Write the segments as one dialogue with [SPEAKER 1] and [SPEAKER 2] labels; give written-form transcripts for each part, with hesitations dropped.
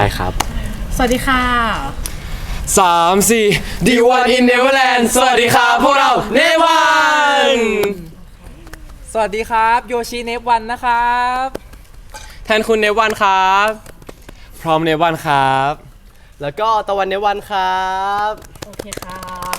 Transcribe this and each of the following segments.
[SPEAKER 1] ช่ครับ
[SPEAKER 2] สวัสดีค่ะ
[SPEAKER 3] 3-4 D1 in Neverland สวัสดีครับพวกเราเนวัน
[SPEAKER 4] สวัสดีครับโยชิเนฟวันนะครับ
[SPEAKER 3] แทนคุณเนวันครับพร้อมเนวันครับ
[SPEAKER 1] แล้วก็ตะวันในวันครับ
[SPEAKER 2] โอเคค่ะ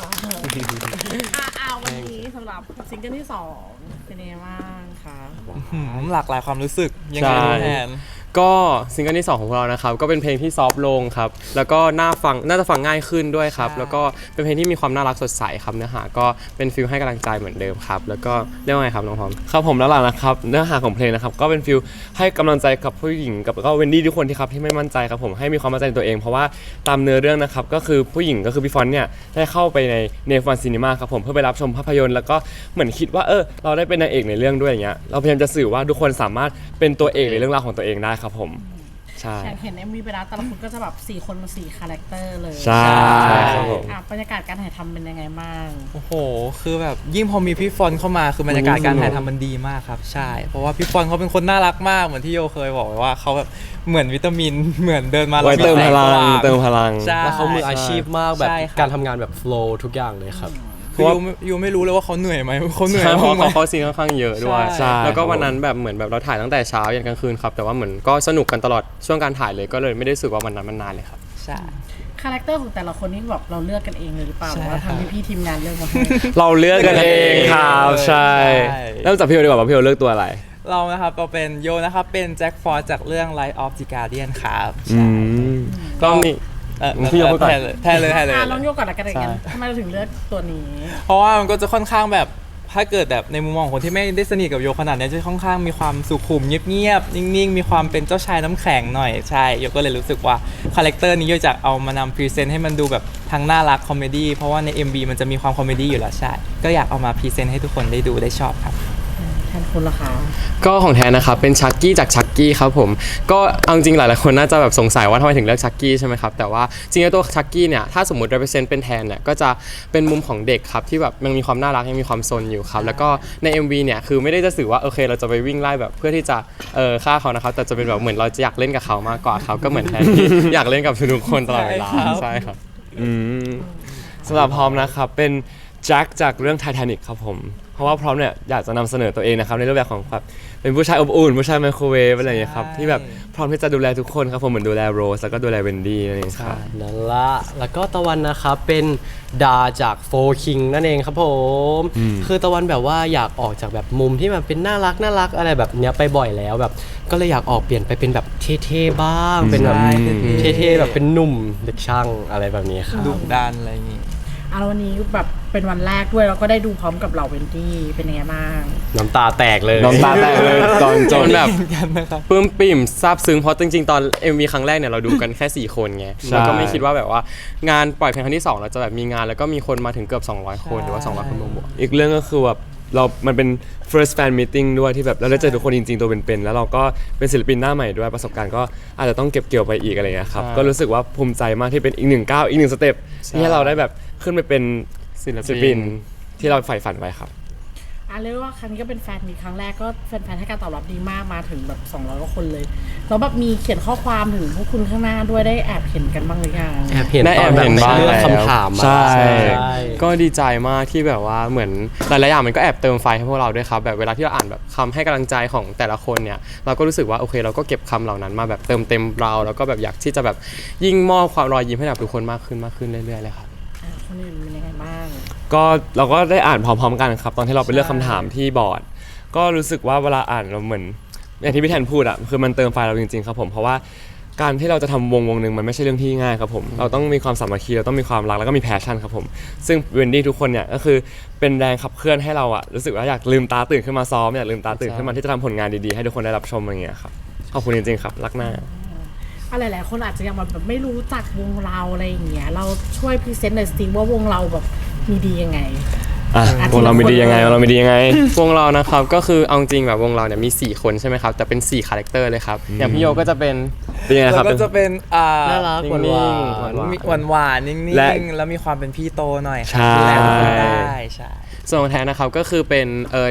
[SPEAKER 2] วันนี้สำหรับซิงเกิลที่2เป็นยังไงบ้างคะ
[SPEAKER 4] หลากหลายความรู้สึกยังไงแทน
[SPEAKER 3] ก็ซิงเกิลที่2ของเรานะครับก็เป็นเพลงที่ซอฟต์ลงครับแล้วก็น่าจะฟังง่ายขึ้นด้วยครับแล้วก็เป็นเพลงที่มีความน่ารักสดใสครับเนื้อหาก็เป็นฟีลให้กำลังใจเหมือนเดิมครับแล้วก็เรียกว่าไงครับน้องพร้อมครับผมแล้วล่ะนะครับเนื้อหาของเพลงนะครับก็เป็นฟีลให้กำลังใจกับผู้หญิงกับก็เวนดี้ทุกคนที่ครับที่ไม่มั่นใจครับผมให้มีความมั่นใจในตัวเองเพราะว่าตามเนื้อเรื่องนะครับก็คือผู้หญิงก็คือพี่ฟอนเนี่ยได้เข้าไปในเนฟวันซีนีมาครับผมเพื่อไปรับชมภาพยนตร์แล้วก็เหมือนคิดว่าเราได้เป็นนางเอกในเรื่องด้วยอย่างเงี้ยเราพยายามจะสื่อว่าทุกคนสามารถเป็นตัวเอกในเรื่องราวของตัวเองได้ครับผมใช่
[SPEAKER 2] เห็น MV ไปแล้วแต่ละคนก็จะแบบ4คนมา4คาแรคเตอร์เลย
[SPEAKER 3] ใช่ครับผม
[SPEAKER 2] บรรยากาศการถ่ายทำเป็นยังไงบ้าง
[SPEAKER 4] โอ้โหคือแบบยิ่งพอมีพี่ฟอนเข้ามาคือบรรยากาศการถ่ายทำมันดีมากครับใช่เพราะว่าพี่ฟอนเขาเป็นคนน่ารักมากเหมือนที่โยเคยบอกไว้ว่าเขาแบบเหมือนวิตามินเหมือนเดินมา
[SPEAKER 3] แล้วเติมพลัง
[SPEAKER 1] แล้วเขามืออาชีพมากแบบการทำงานแบบโฟล์ทุกอย่างเลยครับ
[SPEAKER 4] คือยูไม่รู้เลยว่าเขาเหนื่อยไหมเขาเหนื่อย
[SPEAKER 3] เพราะเขาซีนค่อนข้างเยอะด้วยแล้วก็วันนั้นแบบเหมือนแบบเราถ่ายตั้งแต่เช้ายันกลางคืนครับแต่ว่าเหมือนก็สนุกกันตลอดช่วงการถ่ายเลยก็เลยไม่ได้รู้สึกว่าวันนั้นมันนานเลยครับ
[SPEAKER 4] ใช่
[SPEAKER 2] คาแรคเตอร์ของแต่ละคนนี่แบบเราเลือกกันเองเลยหรือเปล่าว่าทางพี่ทีมงานเลือกมาให้
[SPEAKER 3] เราเลือกกันเองครับใช่เริ่มจากพี่โอดีกว่าพี่โอเลือกตัวอะไร
[SPEAKER 4] เรานะครับเราเป็นโยนะครับเป็นแจ็คฟอร์จากเรื่อง Light of the Guardian ครับ
[SPEAKER 3] ก็มีพี่โยพูดก่อน
[SPEAKER 4] แทนเลย
[SPEAKER 2] ลองโยกก่อนละกันอย่างเงี้ยทำไมเราถึงเลือกตัวนี้
[SPEAKER 4] เพราะว่ามันก็จะค่อนข้างแบบถ้าเกิดแบบในมุมมองคนที่ไม่ได้สนิทกับโยขนาดนี้จะค่อนข้างมีความสุขุมเงียบๆนิ่งๆมีความเป็นเจ้าชายน้ำแข็งหน่อยใช่โยก็เลยรู้สึกว่าคาแรคเตอร์นี้โยจะเอามานำพรีเซนต์ให้มันดูแบบทั้งน่ารักคอมเมดี้เพราะว่าใน MV มันจะมีความคอมเมดี้อยู่แล้วใช่ก็อยากเอามาพรีเซนต์ให้ทุกคนได้ดูได้ชอบครับ
[SPEAKER 2] แทนคุณล่ะคะ
[SPEAKER 3] ก็ของแทนนะครับเป็นชักกี้จากชักกี้ครับผมก็เอาจริงหลายๆคนน่าจะแบบสงสัยว่าทำไมถึงเลือกชักกี้ใช่ไหมครับแต่ว่าจริงๆตัวชักกี้เนี่ยถ้าสมมติ represent เป็นแทนเนี่ยก็จะเป็นมุมของเด็กครับที่แบบยังมีความน่ารักยังมีความซนอยู่ครับแล้วก็ใน MV เนี่ยคือไม่ได้จะสื่อว่าโอเคเราจะไปวิ่งไล่แบบเพื่อที่จะฆ่าเขานะครับแต่จะเป็นแบบเหมือนเราจะอยากเล่นกับเขามากกว่าครับก็เหมือนแทนที่อยากเล่นกับทุกคนตลอดเวลาใช่ครับสำหรับพร้อมนะครับเป็นแจ็คจากเรื่อง Titanic ครับผมเพราะว่าพร้อมเนี่ยอยากจะนำเสนอตัวเองนะครับในรูปแบบของแบบเป็นผู้ชายอบอุ่นผู้ชายไมโครเวฟอะไรอย่างเงี้ยครับที่แบบพร้อมที่จะดูแลทุกคนครับผมเหมือนดูแลโรสแล้วก็ดูแลเวนดี้นั่นเองครับ
[SPEAKER 1] นั่นละแล้วก็ตะวันนะครับเป็นดาจากโฟคิงนั่นเองครับผมคือตะวันแบบว่าอยากออกจากแบบมุมที่มันเป็นน่ารักอะไรแบบเนี้ยไปบ่อยแล้วแบบก็เลยอยากออกเปลี่ยนไปเป็นแบบเท่ๆบ้างเป็นแบบเท่ๆแบบเป็นหนุ่มเด็กช่างอะไรแบบนี้ครับ
[SPEAKER 4] ดุดันอะไรอย่างงี้
[SPEAKER 2] แล้ววันนี้แบบเป็นวันแรกด้วยแล้วก็ได้ดูพร้อมกับเหล่าเวนดี้เป็นยังไงบ้าง
[SPEAKER 1] น้ำตาแตกเลย
[SPEAKER 3] ตอนจนแบบปลื้มปิ่มซาบซึ้งเพราะจริงๆตอน MV ครั้งแรกเนี่ยเราดูกันแค่4คนไงแล้วก็ไม่คิดว่าแบบว่างานปล่อยเพลงครั้งที่2เราจะแบบมีงานแล้วก็มีคนมาถึงเกือบ200คนหรือว่า200คนบวกอีกเรื่องก็คือแบบมันเป็น first fan meeting ด้วยที่แบบเราได้เจอทุกคนจริงๆตัวเป็นๆแล้วเราก็เป็นศิลปินหน้าใหม่ด้วยประสบการณ์ก็อาจจะต้องเก็บเกี่ยวไปอีกอะไรเงี้ยครับก็รู้สึกว่าภูมิใจมากที่เป็นอีก1ก้าวอีก1สเต็ปที่เราได้แบบขึ้นไปเป็นศิลปินที่เราใฝ่ฝันไว้ครับ
[SPEAKER 2] เรียกว่าครั้งนี้ก็เป็นแฟนมีครั้งแรกก็แฟนๆให้การตอบรับดีมากมาถึงแบบ200กว่าคนเลยแล้วแบบมีเขียนข้อความถึงพวกคุณข้างหน้าด้วยได้แอบเห็นกันบ้างหรือยัง
[SPEAKER 1] แอบเห็นบ้างคำถาม
[SPEAKER 3] ใช่ก็ดีใจมากที่แบบว่าเหมือนหลายๆอย่างมันก็แอบเติมไฟให้พวกเราด้วยครับแบบเวลาที่เราอ่านแบบคำให้กำลังใจของแต่ละคนเนี่ยเราก็รู้สึกว่าโอเคเราก็เก็บคำเหล่านั้นมาแบบเติมเต็มเราแล้วก็แบบอยากที่จะแบบยิ่งมอบความรอยยิ้มให้กับทุกคนมากขึ้นเรื่อยๆเลยครับ
[SPEAKER 2] คนอื่นเป็นยังไงบ้าง
[SPEAKER 3] ก็เราก็ได้อ่านพร้อมๆกันครับตอนที่เราไปเลือกคำถามที่บอร์ดก็รู้สึกว่าเวลาอ่านเราเหมือนอย่างที่พี่แทนพูดอะคือมันเติมไฟเราจริงๆครับผมเพราะว่าการที่เราจะทำวงหนึ่งมันไม่ใช่เรื่องที่ง่ายครับผมเราต้องมีความสามัคคีเราต้องมีความรักแล้วก็มีแพชชั่นครับผมซึ่งเวนดี้ทุกคนเนี่ยก็คือเป็นแรงขับเคลื่อนให้เราอะรู้สึกว่าอยากลืมตาตื่นขึ้นมาซ้อมอยากลืมตาตื่นขึ้นมาที่จะทำผลงานดีๆให้ทุกคนได้รับชมอย่างเงี้ยครับขอบคุณจริงๆครับรักหน้า
[SPEAKER 2] หลายๆคนอาจจะยังแบบไม่รู้จักวงเราอะไรอย่างเงี้ยเราช่วยพรีเซนต์หน่อยสิว่าวงเราแบบมีดียังไง
[SPEAKER 3] วงเรามีดียังไงวงเรานะครับก็คือเอาจริงแบบวงเราเนี่ยมี4คนใช่ไหมครับแต่เป็น4คาแรคเตอร์เลยครับอย่างพี่โยก็จะเป็นยังไงครับ
[SPEAKER 4] ก็จะเป็น
[SPEAKER 1] น่ารักห
[SPEAKER 4] วานนิ่งๆแล้วมีความเป็นพี่โตหน่อย
[SPEAKER 3] ใช่
[SPEAKER 4] ใช่
[SPEAKER 3] ส่วนแทนนะครับก็คือ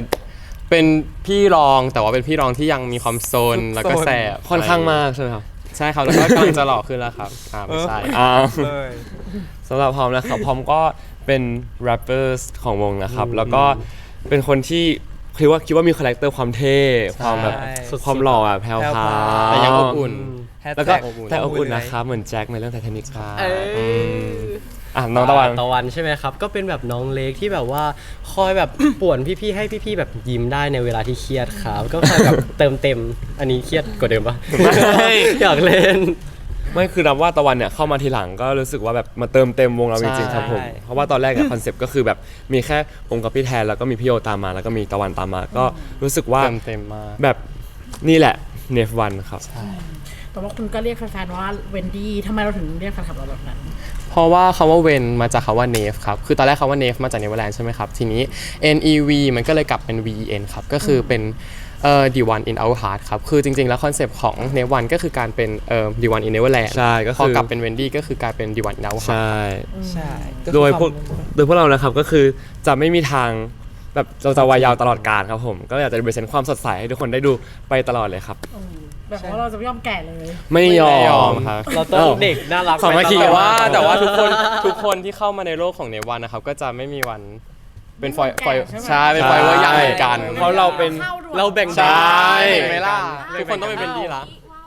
[SPEAKER 3] เป็นพี่รองแต่ว่าเป็นพี่รองที่ยังมีความโซนแล้วก็แสบค่อนข้างมากใช่ไหมครับใช่ครับแล้วก็กำลังจะหล่อขึ้นแล้วครับไม่ใช่
[SPEAKER 4] เลย
[SPEAKER 3] สำหรับพร้อมนะครับพร้อมก็เป็นแรปเปอร์ของวงนะครับแล้วก็เป็นคนที่คิดว่ามีคาแรคเตอร์ความเท่ความแบบ
[SPEAKER 1] สุดๆ
[SPEAKER 3] ความหล่ออะแพรวพราว
[SPEAKER 1] แต่ยังอบอุ่น
[SPEAKER 3] แล้วก็
[SPEAKER 4] Hashtag
[SPEAKER 3] แต่อบอุ่นนะครับเหมือนแจ็คในเรื่องไททานิคครับ
[SPEAKER 1] เอ้ย
[SPEAKER 3] น้องตะวัน
[SPEAKER 1] ตะวันใช่ไหมครับ ก็เป็นแบบน้องเล็กที่แบบว่าคอยแบบ ป่วนพี่ๆให้พี่ๆแบบยิ้มได้ในเวลาที่เครียดครับ ก็คอยแบบเติมเต็มอันนี้เครียดกว่าเดิมปะ
[SPEAKER 3] ไม่
[SPEAKER 1] อยากเล่น
[SPEAKER 3] ไม่คือนับว่าตะวันเนี่ยเข้ามาทีหลังก็รู้สึกว่าแบบมาเติมเต็มวงเราจริงๆครับผม
[SPEAKER 4] ใช่
[SPEAKER 3] เพราะว่าตอนแรกอะคอนเซปต์ก็คือแบบมีแค่ผมกับพี่แทนแล้วก็มีพี่โยตามมาแล้วก็มีตะวันตามมา ก็รู้สึกว่า
[SPEAKER 1] เต็มมาก
[SPEAKER 3] แบบนี่แหละเนฟวันครับ
[SPEAKER 2] แต่ว่าคุณก็เรียกแฟนๆว่าเวนดี้ทำไมเราถึงเรียกแฟนคลับเราแบบนั้น
[SPEAKER 1] เพราะว่าคำว่าเวนมาจากคำว่าเนฟครับ คือตอนแรกคำว่าเนฟมาจากเนเวอร์แลนด์ใช่ไหมครับ ทีนี้ NEV มันก็เลยกลับเป็น VEN ครับ ก็คือเป็นThe One in Our Heart ครับ คือจริงๆ แล้วคอนเซปต์ของ n e v e One ก็คือการเป็นThe One in Neverland
[SPEAKER 3] ใช่ก็คือ
[SPEAKER 1] พอกลับเป็น Wendy ก็คือกลายเป็น The One in Our Heart
[SPEAKER 3] ใช่
[SPEAKER 4] ใช่
[SPEAKER 3] โดยพวกเรานะครับก็คือจะไม่มีทางแบบเราจะวายยาวตลอดกาลครับผมก็อยากจะเบรเซนความสดใสให้ทุกคนได้ดูไปตลอดเลยครับ
[SPEAKER 2] แบบว่าเราจะไม่ยอมแก่เลย
[SPEAKER 3] ไม่ยอม
[SPEAKER 1] ครับ เราต้องเด็กน่ารัก
[SPEAKER 3] สามัคคี
[SPEAKER 1] ไป
[SPEAKER 3] แต่
[SPEAKER 1] ตลอด
[SPEAKER 3] ว่า
[SPEAKER 1] แต่ว่าทุกคนที่เข้ามาในโลกของเนวันนะครับ ก็จะไม่มีวันเป็นฟอย
[SPEAKER 2] ไม่มีวันแก่ใช่ไหม
[SPEAKER 1] ใช่เป็นฟอยว่ายังเหมือนกัน
[SPEAKER 3] เพราะเราเป็น
[SPEAKER 1] เราแบ่ง
[SPEAKER 3] ใช่
[SPEAKER 1] เห็นไหมล่ะทุกคนต้องเป็นเวนดี้ละ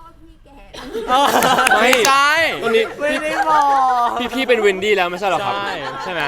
[SPEAKER 3] ไม่ใช่ตอนนี้
[SPEAKER 1] ไม่ได้บอก
[SPEAKER 3] พี่เป็นวินดี้แล้วไม่ใช่หรอครับ
[SPEAKER 1] ใช่
[SPEAKER 3] ใช่ไหม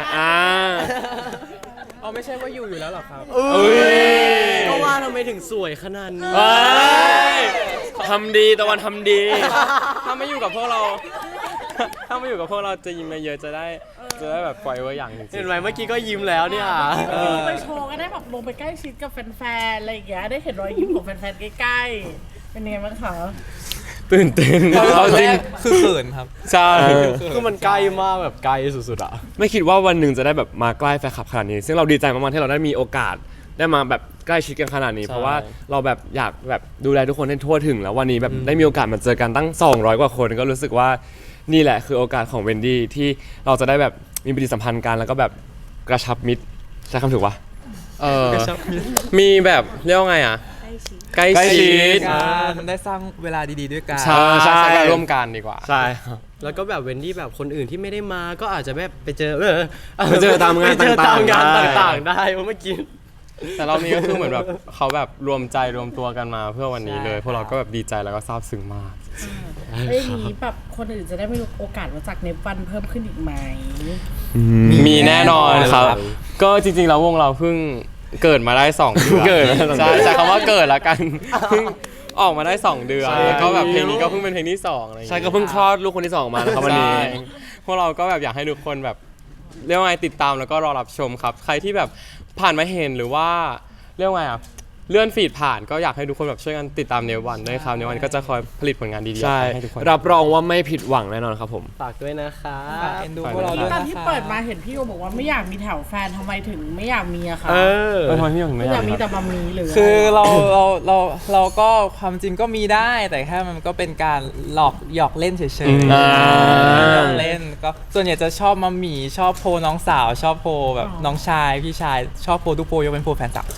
[SPEAKER 4] เอาไม่ใช่ว่าอยู่แล้วหรอครับ
[SPEAKER 3] เอ้ย
[SPEAKER 1] ก็ว่าทำไมถึงสวยขนาดนี้
[SPEAKER 3] เอ้ยทำดีตะวันทำดี
[SPEAKER 1] ถ้าไม่อยู่กับพวกเรา ถ้าไม่อยู่กับพวกเราจะยิ้มเยอะๆจะได้แบบปล่อยไว้อย่างจริงๆเห็นไหมเมื่อกี้ก็ยิ้มแล้วเนี่ย
[SPEAKER 2] ไปโชว์ก็ได้แบบลงไปใกล้ชิดกับแฟนๆอะไรอย่างเงี้ยได้เห็นรอยยิ้มของแฟนๆใกล้ๆเป็นยังไงบ้างคะ
[SPEAKER 3] ตื่นเต้น
[SPEAKER 4] ต
[SPEAKER 3] เอา
[SPEAKER 4] อน
[SPEAKER 3] จ
[SPEAKER 4] แร
[SPEAKER 3] ริง
[SPEAKER 4] กคือเขินครับ
[SPEAKER 3] ใช่
[SPEAKER 1] คือมันใกล้มากแบบไกลสุดๆอ่ะ
[SPEAKER 3] ไม่คิดว่าวันหนึ่งจะได้แบบมาใกล้แฟนคลับขนาดนี้ ซึ่งเราดีใจมากๆที่เราได้มีโอกาสได้มาแบบใกล้ชิดกันขนาดนี้
[SPEAKER 1] ใช่
[SPEAKER 3] เพราะว่าเราแบบอยากแบบดูแลทุกคนให้ทั่วถึง แล้ววันนี้แบบได้มีโอกาสมาเจอกันตั้ง200 กว่าคนก็รู้สึกว่านี่แหละคือโอกาสของเวนดี้ที่เราจะได้แบบมีปฏิสัมพันธ์กันแล้วก็แบบกระชับมิตรใช้คำถูกปะ
[SPEAKER 1] มีแบบเรียกว่าไงอ่ะ ใกล้ชิด
[SPEAKER 4] การได้สร้างเวลาดีๆด้วยกัน
[SPEAKER 3] ใช่
[SPEAKER 1] ใช้การร่วมกันดีกว่า
[SPEAKER 3] ใช่
[SPEAKER 1] แล้วก็แบบเวนดี้แบบคนอื่นที่ไม่ได้มาก็อาจจะแบบไปเจอ
[SPEAKER 3] ไปเจอตามงาน
[SPEAKER 1] ไปเจอตามงาน
[SPEAKER 3] ต่างๆ
[SPEAKER 1] ต่างๆได้เมื่อกี้แต่เรามีก็คือเหมือนแบบเขาแบบรวมใจรวมตัวกันมาเพื่อวันนี้เลยพวกเราก็แบบดีใจแล้วก็ซาบซึ้งมาก
[SPEAKER 2] ไอ้ยนี้แบบคนอื่นจะได้มีโอกาสมาจากเนปวันเพิ่มขึ้นอีกไหม
[SPEAKER 1] มีแน่นอนครับ ก็จริงๆแล้ววงเราเพิ่งเกิดมาได้2 เดือน
[SPEAKER 3] เกิดมาได้2
[SPEAKER 1] ใช่
[SPEAKER 3] เดือน
[SPEAKER 1] ใช้คำว่าเกิดแล้วกันเพิ่งออกมาได้2 เดือน
[SPEAKER 3] ใช่
[SPEAKER 1] แล้วก็แบบเพลงนี้ก็เพิ่งเป็นเพลงที่2อะไรอย่าง
[SPEAKER 3] ใช่
[SPEAKER 1] เงี้ย
[SPEAKER 3] ก็เพิ่งคลอดลูกคนที่ 2 มานะครับวันนี้
[SPEAKER 1] ใช่พวกเราก็แบบอยากให้ทุกคนแบบเรียกว่าไงติดตามแล้วก็รอรับชมครับ ใครที่แบบผ่านมาเห็นหรือว่าเรียกว่าไงอ่ะเลื่อนฟีดผ่านก็อยากให้ทุกคนแบบช่วยกันติดตามเนวันด้วยครับเนวันก็จะคอยผลิตผลงานดีๆ
[SPEAKER 3] ใช่
[SPEAKER 1] ให้ทุกคน
[SPEAKER 3] รับรองว่าไม่ผิดหวังแน่นอนครับผม
[SPEAKER 1] ฝากด้วยนะคะ
[SPEAKER 4] ฝากเอ็นดูพวกเราด้วย
[SPEAKER 2] ตอน
[SPEAKER 4] นะ
[SPEAKER 2] ที่
[SPEAKER 4] คะ
[SPEAKER 2] เปิดมาเห็นพี่โอบอกว่าไม่อยากมีแถวแฟนทำไมถึงไม่อยากมีอะคะ
[SPEAKER 1] ทำไมพี่ถึง
[SPEAKER 2] ไม่
[SPEAKER 1] ไม่อยาก ก
[SPEAKER 2] อายมี
[SPEAKER 1] มี
[SPEAKER 2] แต่บะหมี่หรือ
[SPEAKER 4] คือ
[SPEAKER 2] อะไร
[SPEAKER 4] เราก็ความจริงก็มีได้ แต่แค่มันก็เป็นการหยอกเล่นเฉย
[SPEAKER 3] อ่า
[SPEAKER 4] หยอกเล่นก็ส่วนใหญ่จะชอบมาหมี่ชอบโพน้องสาว ชอบโพแบบน้องชายพี่ชายชอบโพทุกโพยกเป็นโพแฟนสาว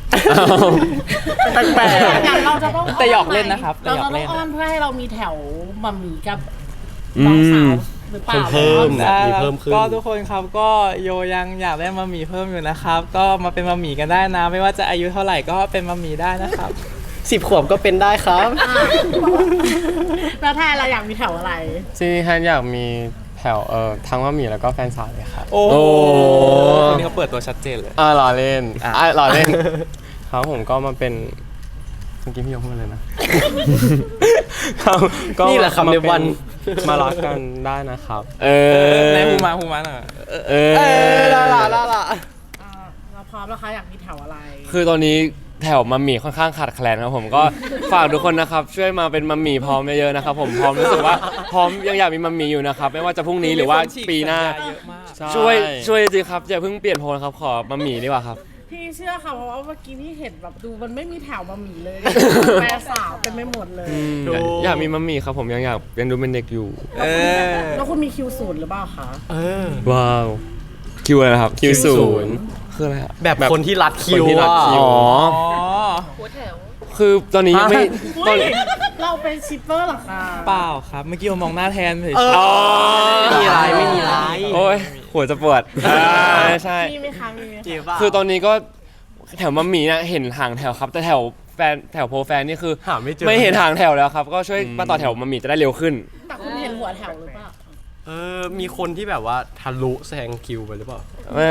[SPEAKER 1] แปลก
[SPEAKER 2] อย่างเราจะต้อง
[SPEAKER 4] แต่หยอกเล่นนะครับแต่
[SPEAKER 2] เรา
[SPEAKER 4] หยอ
[SPEAKER 2] จะ
[SPEAKER 4] ก
[SPEAKER 2] ต้
[SPEAKER 4] เล่
[SPEAKER 2] อง
[SPEAKER 4] น
[SPEAKER 2] อ้อนเพื่อให้เรามีแถวบะหมี่กับน้องสาวหรือเปล่า
[SPEAKER 1] เพิ่ม
[SPEAKER 4] ได้
[SPEAKER 1] มี
[SPEAKER 4] ครับ
[SPEAKER 1] เพิ่มขึ้น
[SPEAKER 4] ก็ทุกคนครับก็โยยังอยากได้มาหมี่เพิ่มอยู่นะครับ ก็มาเป็นมาหมี่กันได้นะ ไม่ว่าจะอายุเท่าไหร่ก็เป็นมาหมี่ได้นะครับ
[SPEAKER 1] 10 ขวบก็เป็นได้ครับ
[SPEAKER 2] แล้วแทนเราอยากมีแถวอะไร
[SPEAKER 1] จริงๆแฮนอยากมีแถวทั้งว่ามีแล้วก็แฟนสาวเลยครับ
[SPEAKER 4] โอ้
[SPEAKER 3] โอ้
[SPEAKER 4] คนนี้เขาเปิดตัวชัดเจนเลย
[SPEAKER 1] ล้อเล่น
[SPEAKER 4] อ่ะ
[SPEAKER 1] ล้อเล่น ครับผมก็มาเป็นเมื่อกี้พี่ยกพูดเลยนะครับก็
[SPEAKER 3] นี่แหละคำในวัน
[SPEAKER 1] มารักกันได้นะครับ
[SPEAKER 4] ในหูมาหน่อย
[SPEAKER 1] ล่ะ
[SPEAKER 2] เราพร้อมแล้วคะอยากมีแถวอะไร
[SPEAKER 3] คือตอนนี้แถวมัมหมี่ค่อนข้างขาดแคลนครับผมก็ ฝากทุกคนนะครับช่วยมาเป็นมัมหมี่พร้อมเยอะๆนะครับผมพร้อมรู้สึกว่าพร้อมยังอยากมีมัมหมี่อยู่นะครับไม่ว่าจะพรุ่งนี้หรือว่าปีหน้า
[SPEAKER 4] เยอะมาก
[SPEAKER 3] ช่วยจริงๆครับอย่าเพิ่งเปลี่ยนโพลนะครับขอมัมหมี่ดีกว่าครับ
[SPEAKER 2] พี่เชื่อค่ะเพราะว่าเมื่อกี้พี่เห็นแบบดูมันไม่มีแถวบะหมี่เลยแฟนสาวเป็นไม่หมดเลย
[SPEAKER 3] อยากมีมัมหมี่ครับผมยังอยากยังดูเป็นเด็กอยู่
[SPEAKER 2] แล้วคุณมีคิวศูนย์หรือเปล่าคะ
[SPEAKER 3] ว้าวคิวอะไรนะครับ
[SPEAKER 1] คิวศูนย์
[SPEAKER 3] คืออะไรอะ
[SPEAKER 1] แบบคนที่รัดคิว
[SPEAKER 3] คนที่รัดคิว
[SPEAKER 1] อะ
[SPEAKER 3] อ๋อ
[SPEAKER 2] หัวแถว
[SPEAKER 3] คือตอนนี้ยังไม่ตอน
[SPEAKER 2] เราเป็นชิปเปอร์เหรอคะ
[SPEAKER 4] เปล่าครับ เมื่อกี้ผมมองหน้าแทนเฉย
[SPEAKER 1] เออไม่มีอะไรไม่มีอะไร
[SPEAKER 3] โอ้ยหัวจะปวดใช่
[SPEAKER 2] มีไหมคะมีไหมคะ
[SPEAKER 1] จริงป่ะ
[SPEAKER 3] คือตอนนี้ก็แถวมัมหมี่เนี่ยเห็นห่างแถวครับแต่แถวแฟนแถวโพแฟนนี่คือ
[SPEAKER 1] หาไม่เจอ
[SPEAKER 3] ไม่เห็นห่างแถวแล้วครับก็ช่วยมาต่อแถวมัมหมี่จะได้เร็วขึ้น
[SPEAKER 2] แต่คุณเห็นหัวแถวหรือเปล่า
[SPEAKER 1] มีคนที่แบบว่าทะลุแซงคิวไปหรือเปล่า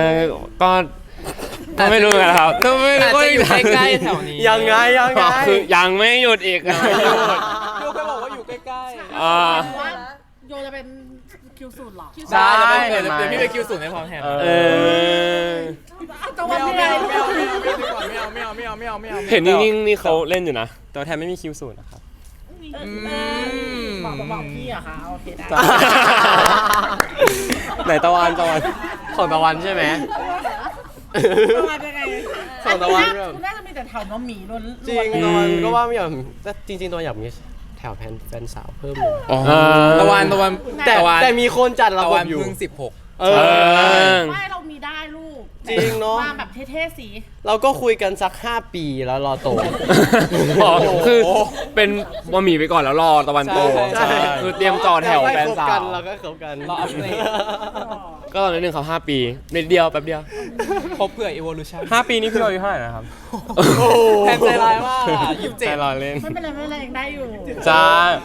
[SPEAKER 3] ก็ไม่รู้นะครับก็ไม่
[SPEAKER 4] ๆอาจ
[SPEAKER 3] รู้
[SPEAKER 4] จะอยู่ใกล้ๆแถวนี้
[SPEAKER 1] ยังไงยังไง
[SPEAKER 3] คือยังไม่หยุดอีก
[SPEAKER 4] โยเคยบอกว่าอยู่ใกล้ๆ
[SPEAKER 3] อ่า
[SPEAKER 2] ว่าโยจะเป็นคิวสูตรหรอ
[SPEAKER 4] ได้เดี๋ยวพี่ไปคิวสูงให้พร้อมแทน
[SPEAKER 3] เออ
[SPEAKER 2] ตะวันไม่ได้
[SPEAKER 4] ไม่เอา
[SPEAKER 3] เห็นนิ่งๆนี่เขาเล่นอยู่นะแต่ว่าแทนไม่มีคิวสูตรนะครับ
[SPEAKER 2] บอกพี่อะคะโอเคได้
[SPEAKER 3] ไหนตะวัน
[SPEAKER 1] ของตะวันใช่ไหม
[SPEAKER 2] ตะวันยังไง
[SPEAKER 1] ส่งตะวันแบบ
[SPEAKER 2] คุณน่าจะมีแต่แถวน้องหมีล้วน
[SPEAKER 1] จริงตะวันก็ว่าไม่อยากแต่จริงๆตะวันอยากมีแถวแฟนสาวเพิ่มอยู่
[SPEAKER 4] ตะวัน
[SPEAKER 1] แต่มีคนจัดระ
[SPEAKER 4] ตะ
[SPEAKER 1] บ
[SPEAKER 4] วั
[SPEAKER 1] บ
[SPEAKER 4] น
[SPEAKER 1] อยู่
[SPEAKER 4] เพิ่ง16
[SPEAKER 1] เอ
[SPEAKER 3] เอ
[SPEAKER 1] อ
[SPEAKER 3] อ
[SPEAKER 2] ไม่เรามีได้ลูก
[SPEAKER 1] จริงเนอะ
[SPEAKER 2] มาแบบเท่ๆสิ
[SPEAKER 1] เราก็คุยกันสัก 5 ปีแล้วรอโต
[SPEAKER 3] อ๋อคือเป็นบะหมี่ไปก่อนแล้วรอตะวันโต
[SPEAKER 1] ใช่
[SPEAKER 3] คือเตรียมจอแถวแฟนสาว
[SPEAKER 1] เราก็คบกัน
[SPEAKER 4] รออัปเดต
[SPEAKER 3] ก็ตอนนึงเขา5 ปีนิดเดียวแป๊บเดียว
[SPEAKER 4] ครบเผื่อ evolution
[SPEAKER 3] 5 ปีนี้คือเราอายุเท่าไหร่นะครับ
[SPEAKER 4] แทนใจร้ายมากอะ
[SPEAKER 3] ใจรอเล่น
[SPEAKER 2] ไม่เป็นไรไม่เป็นไรยังได้อยู่
[SPEAKER 3] จ้า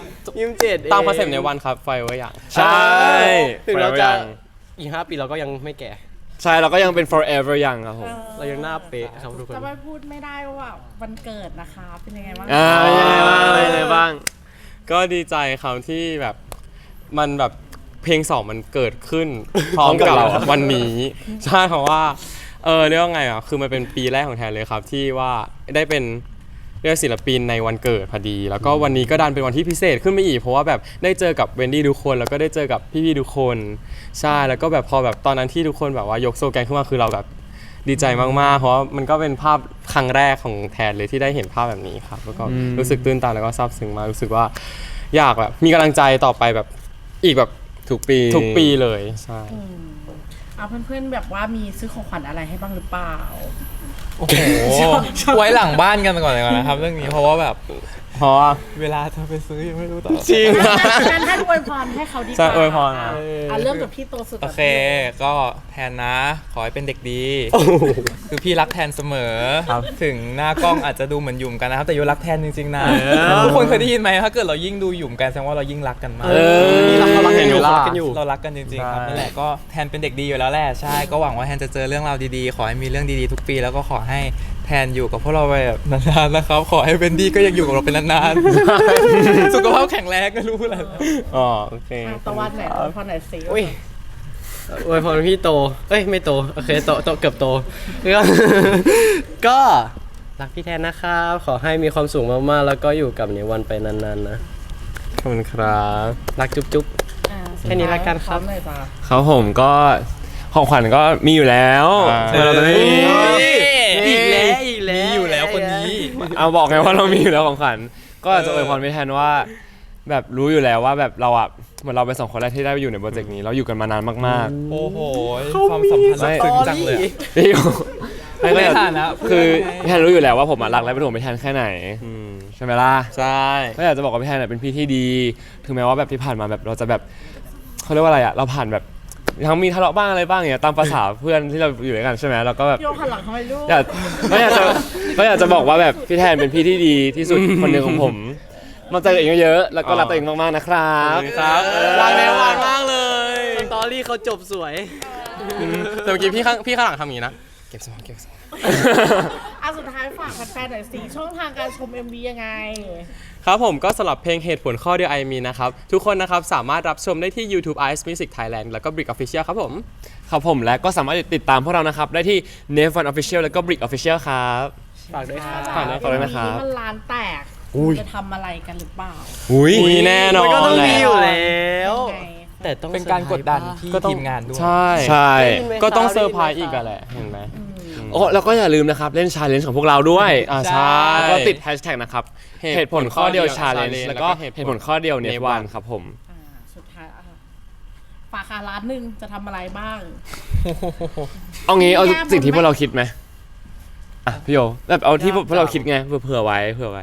[SPEAKER 1] 27
[SPEAKER 3] ตามคอนเซ็ปต์ในวันครับไฟไว้อย่าง
[SPEAKER 1] ใช่ ถึงเราจะ
[SPEAKER 3] ไฟไว้ยัง
[SPEAKER 1] อีก 5 ปีเราก็ยังไม่แก่
[SPEAKER 3] ใช่เราก็ยังเป็น forever ยังครับผม
[SPEAKER 1] เรายังหน้าเป๊ะครับทุกคน
[SPEAKER 2] จะไม่พูดไม่ได้ว่าวันเกิดนะคะ เป็นยังไงบ้าง
[SPEAKER 3] ยังไงบ้าง ก็ดีใจครับที่แบบมันแบบเพลง2มันเกิดขึ้น พร้อมกับวันนี้ใช่เพราะว่าเรียกว่าไงอ่ะคือมันเป็นปีแรกของแทนเลยครับที่ว่าได้เป็นเรียกศิลปินในวันเกิดพอดี แล้วก็วันนี้ก็ดันเป็นวันที่พิเศษขึ้นไปอีกเพราะว่าแบบได้เจอกับเวนดี้ทุกคนแล้วก็ได้เจอกับพี่ๆทุกคนใช่แล้วก็แบบพอแบบตอนนั้นที่ทุกคนแบบว่ายกโซแกนขึ้นมาคือเราแบบดีใจมากๆเพราะว่ามันก็เป็นภาพครั้งแรกของแทนเลยที่ได้เห็นภาพแบบนี้ครับแล้วก็รู้สึกตื้นตันแล้วก็ซาบซึ้งมากรู้สึกว่าอยากแบบมีกำลังใจต่อไปแบบอีกแบบ
[SPEAKER 5] ทุกปี
[SPEAKER 3] เลยใช่
[SPEAKER 2] เอาเพื่อนๆแบบว่ามีซื้อของขวัญอะไรให้บ้างหรือเปล่า
[SPEAKER 4] โอ้โห ไว้หลังบ้านกันก่อนเลยนะครับ เรื่องนี้เพราะว่าแบบ
[SPEAKER 3] เพราะว่า
[SPEAKER 4] เวลาเธอไปซื้อยังไม่รู้ต่อ
[SPEAKER 3] จริง
[SPEAKER 2] งั้นให้อวยพรให้เขาดีก
[SPEAKER 3] ใช่
[SPEAKER 2] ว่า
[SPEAKER 3] อวยพรนะ
[SPEAKER 2] เริ่มจากพี่โตสุด
[SPEAKER 4] โอเค ก็แทนนะ ขอให้เป็นเด็กดี คือพี่รักแทนเสมอ ถึงหน้ากล้องอาจจะดูเหมือนหยุ่มกันนะครับ แต่โยรักแทนจริงๆนะ ทุกคนเคยได้ยินไหมถ้าเกิดเรายิ่งดูหยุ่มกันแสดงว่าเรายิ่งรักกันมาก
[SPEAKER 1] นี่เรารักกันอยู่เรารักกันอยู่
[SPEAKER 4] เรารักกันจริงๆครับ
[SPEAKER 3] ใช่
[SPEAKER 4] นั่นแหละก็แทนเป็นเด็กดีอยู่แล้วแหละใช่ก็หวังว่าแทนจะเจอเรื่องราวดีๆ ขอให้มีเรื่องดีๆทุกปีแล้วก็ขอให้แทนอยู่กับพวกเราไปแบบนานๆนะครับ ขอให้เบนดี้ก็ยังอยู่กับเราเป็นนานๆ สุขภาพแข็งแรงก็รู้แหละ
[SPEAKER 3] อ๋อโอเค
[SPEAKER 2] ตะวันไหนอวยพรไหนสิ
[SPEAKER 1] อุ้ยอวยพรพี่โตเอ้ยไม่โตโอเคโตเกือบโตก็ ก็รักพี่แทนนะครับขอให้มีความสุขมากๆแล้วก็อยู่กับนิวันไปนานๆนะ
[SPEAKER 3] ขอบคุณครับ
[SPEAKER 1] รักจุ๊บ แค่นี้ละกันครับ
[SPEAKER 2] พอมเลยจ้ะ
[SPEAKER 3] ครับผมก็ของขวัญก็มีอยู่แล้ว เราจะไม่มี
[SPEAKER 1] อีกแล้วอีกแล้ว
[SPEAKER 4] มีอยู่แล้วคนนี้
[SPEAKER 3] เอาบอกไงว่าเรามีอยู่แล้วของขวัญก็อาจจะอวยพรไม่แทนว่า แบบรู้อยู่แล้วว่าแบบเราอ่ะเหมือนเราเป็น2 คนแรกที่ได้ไปอยู่ในโปรเจกต์นี้เราอยู่กันมานานมาก
[SPEAKER 4] โอ้โหความสัมพันธ์ลึกซึ้งจังเลยอะ
[SPEAKER 3] ๆพี่ไม่ก็
[SPEAKER 4] ใน
[SPEAKER 3] อยาก
[SPEAKER 4] ฐานะ
[SPEAKER 3] คือพี่แทนรู้อยู่แล้วว่าผมอะรักและเป็นห่วงพี่แทนแค่ไหนใช่ไหมล่ะ
[SPEAKER 1] ใช่
[SPEAKER 3] ก็อยากจะบอกว่าพี่แทนเป็นพี่ที่ดี ถึงแม้ว่าแบบที่ผ่านมาแบบเราจะแบบเขาเรียกว่าอะไรอ่ะเราผ่านแบบทั้งมีทะเลาะบ้างอะไรบ้างอย่างเงี้ยตามภาษาเพื่อนที่เราอยู่ด้วยกันใช่ไหมเราก็แบบ
[SPEAKER 2] โยกหันหลังทำไมลูก
[SPEAKER 3] อยากจะบอกว่าแบบพี่แทนเป็นพี่ที่ดีที่สุดคนหนึ่งของผมมาเจอตัวเองเยอะๆแล้วก็รักตัวเองมากๆนะครับ
[SPEAKER 1] ครับรักในวันมากเลยสตอรี่เขาจบสวย
[SPEAKER 3] แต่เมื่อกี้พี่ข้างหลังทำอย่างนี้นะเก็บสมอง
[SPEAKER 2] สุดท้ายฝากแฟนๆหน่อยสิช่องทางการชม MV ยังไง
[SPEAKER 3] ครับผมก็สำหรับเพลงเหตุผลข้อเดียว I mean นะครับทุกคนนะครับสามารถรับชมได้ที่ YouTube Ice Music Thailand แล้วก็ Brick Official ครับผมครับผมและก็สามารถติดตามพวกเรานะครับได้ที่ Nave One Official แล้วก็ Brick Official ครับ
[SPEAKER 1] ฝากด้วยครับ
[SPEAKER 3] ฝากด้วยนะครับ
[SPEAKER 2] มันร้านแตกจะทำอะไรกันหรือเปล่า
[SPEAKER 3] มีแน่นอน
[SPEAKER 1] มันก็ต้องมีอยู่
[SPEAKER 3] แหละ
[SPEAKER 1] แล้ว
[SPEAKER 2] ยังไง
[SPEAKER 1] แต่ต้อง
[SPEAKER 4] เป็นการกดดันที่
[SPEAKER 3] ก็ต้อง
[SPEAKER 4] ทีมงานด้วย
[SPEAKER 3] ใช่
[SPEAKER 1] ได้ยินไหม
[SPEAKER 3] ก็ต้อง
[SPEAKER 1] ครับ
[SPEAKER 3] เซอร์ไพรส์อีกอะแหละเห็นไหมโอ้แล้วก็อย่าลืมนะครับเล่น challenge ของพวกเราด้วยใช่แล้วก็ติด hashtag นะครับเหตุผลข้อเดียว challenge แล้วก็เหตุผลข้อเดียว Net One ครับผม
[SPEAKER 2] สุดท้ายฝากร้านหนึ่งจะทำอะไรบ้าง
[SPEAKER 3] เอางี้เอา
[SPEAKER 2] แก้บน
[SPEAKER 3] สิ่งที่
[SPEAKER 2] ไหม
[SPEAKER 3] พวกเราคิดไหมอ่ะพี่โยแบบเอาที่พวกเราคิดไงเผื่อไว้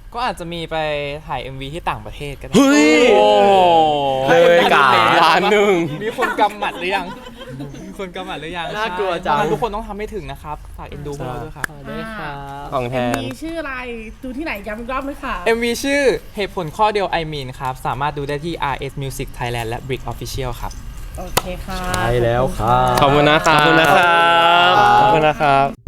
[SPEAKER 4] ก็อาจจะมีไปถ่าย MV ที่ต่างประเทศก็ได้
[SPEAKER 3] เฮ้ย เลยกาล้านหนึ่ง
[SPEAKER 4] มีคนกำหมัดหรือยัง มีคนกำหมัดหรือยัง
[SPEAKER 1] น่ากลัว
[SPEAKER 4] ใช่
[SPEAKER 1] จัง
[SPEAKER 4] เพราะฉะนั้นทุกคนต้องทำให้ถึงนะครับฝากเอ็นดูพวกเราด้วยครับ
[SPEAKER 1] ได้ครับ
[SPEAKER 3] ของแทน
[SPEAKER 2] มีชื่ออะไรดูที่ไหนย้ำอีกรอบไหมคะ
[SPEAKER 4] MV ชื่อเหตุผลข้อเดียว I mean ครับ สามารถดูได้ที่ RS Music Thailand และ Brick Official ครับ
[SPEAKER 2] โอเคค่ะ
[SPEAKER 1] ใช่แล้วครับ
[SPEAKER 3] ขอบคุณนะครับ
[SPEAKER 5] ขอบคุณนะครับ
[SPEAKER 3] ขอบคุณนะครับ